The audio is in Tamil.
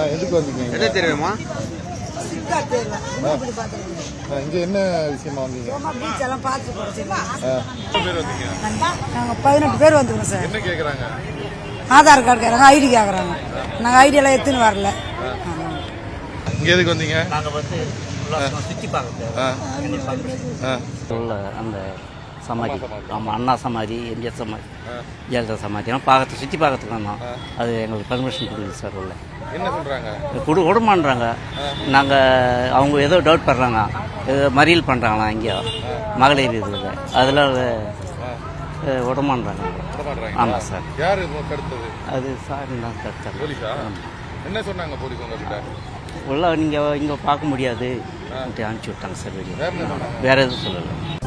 எதுக்கு வந்தீங்க? எது தெரியுமா? இங்க என்ன விஷயமா வந்தீங்க? பீச் எல்லாம் பார்த்து பேர் வந்தீங்க? நாங்கள் 18 பேர் வந்துக்கிறோம் சார். என்ன கேட்குறாங்க? ஆதார் கார்டு கேட்குறாங்க, ஐடி கேட்குறாங்க. நாங்கள் ஐடி எல்லாம் எடுத்துன்னு வரல. இங்கே எதுக்கு வந்தீங்க? நாங்கள் வந்து சுற்றி பார்க்க அந்த சமாதி, ஆமாம், அண்ணா சமாதி, எம்ஜிஆர் சமாதி, ஜெயலலிதா சமாதியெல்லாம் பார்க்கறதுக்கு சுற்றி பார்க்கறதுக்கு வந்தோம். அது எங்களுக்கு பர்மிஷன் கொடுக்குது சார். உள்ள என்ன சொல்கிறாங்க? விடமான்றாங்க. நாங்கள் அவங்க ஏதோ டவுட் பண்ணுறாங்க, ஏதோ மறியல் பண்ணுறாங்களா இங்கே மகளிர் இதில், அதில் விடமான்றாங்க. ஆமாம் சார். யார் தடுத்தது? அது சார் தான் தடுத்தாங்க. போலீஸா? என்ன சொன்னாங்க போலீஸ் உங்ககிட்ட? உள்ள நீங்கள் இங்கே பார்க்க முடியாது அனுப்பிச்சி விட்டாங்க சார். வெளியே வேறு எதுவும் சொல்லலை.